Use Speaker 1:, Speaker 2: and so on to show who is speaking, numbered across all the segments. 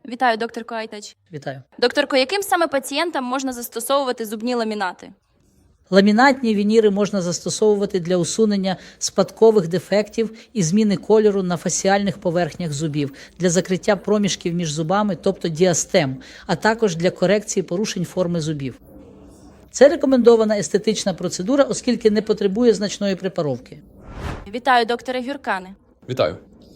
Speaker 1: Вітаю, докторко Айтач.
Speaker 2: Вітаю.
Speaker 1: Докторко, яким саме пацієнтам можна застосовувати зубні ламінати?
Speaker 2: Ламінатні вініри можна застосовувати для усунення спадкових дефектів і зміни кольору на фасіальних поверхнях зубів, для закриття проміжків між зубами, тобто діастем, а також для корекції порушень форми зубів. Це рекомендована естетична процедура, оскільки не потребує значної препаровки.
Speaker 1: Вітаю, докторе Гюркане.
Speaker 3: Вітаю.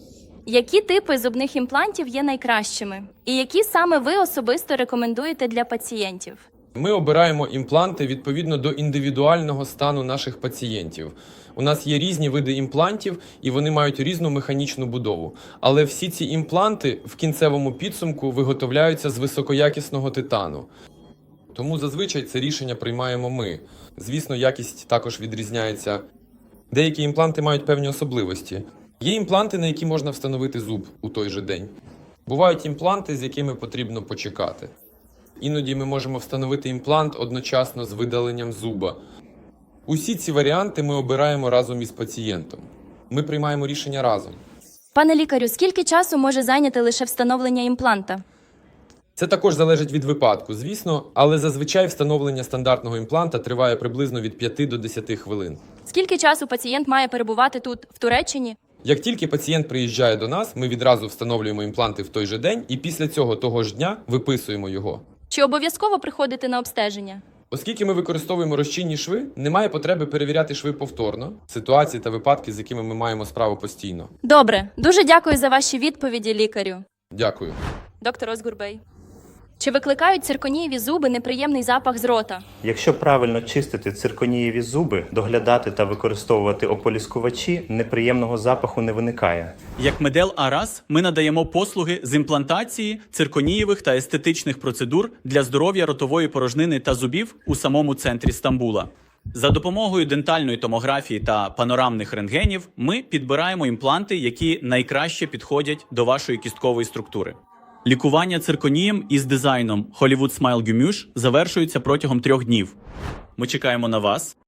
Speaker 1: Які типи зубних імплантів є найкращими? І які саме ви особисто рекомендуєте для пацієнтів?
Speaker 3: Ми обираємо імпланти відповідно до індивідуального стану наших пацієнтів. У нас є різні види імплантів, і вони мають різну механічну будову. Але всі ці імпланти в кінцевому підсумку виготовляються з високоякісного титану. Тому зазвичай це рішення приймаємо ми. Звісно, якість також відрізняється. Деякі імпланти мають певні особливості. Є імпланти, на які можна встановити зуб у той же день. Бувають імпланти, з якими потрібно почекати. Іноді ми можемо встановити імплант одночасно з видаленням зуба. Усі ці варіанти ми обираємо разом із пацієнтом. Ми приймаємо рішення разом.
Speaker 1: Пане лікарю, скільки часу може зайняти лише встановлення імпланта?
Speaker 3: Це також залежить від випадку, звісно, але зазвичай встановлення стандартного імпланта триває приблизно від 5 до 10 хвилин.
Speaker 1: Скільки часу пацієнт має перебувати тут, в Туреччині?
Speaker 3: Як тільки пацієнт приїжджає до нас, ми відразу встановлюємо імпланти в той же день і після цього того ж дня виписуємо його.
Speaker 1: Чи обов'язково приходити на обстеження?
Speaker 3: Оскільки ми використовуємо розчинні шви, немає потреби перевіряти шви повторно, ситуації та випадки, з якими ми маємо справу постійно.
Speaker 1: Добре. Дуже дякую за ваші відповіді, лікарю.
Speaker 3: Дякую.
Speaker 1: Доктор Озгурбей. Чи викликають цирконієві зуби неприємний запах з рота?
Speaker 4: Якщо правильно чистити цирконієві зуби, доглядати та використовувати ополіскувачі, неприємного запаху не виникає.
Speaker 5: Як Медел Арас ми надаємо послуги з імплантації, цирконієвих та естетичних процедур для здоров'я ротової порожнини та зубів у самому центрі Стамбула. За допомогою дентальної томографії та панорамних рентгенів ми підбираємо імпланти, які найкраще підходять до вашої кісткової структури. Лікування цирконієм із дизайном Hollywood Smile Gumush завершується протягом 3 днів. Ми чекаємо на вас.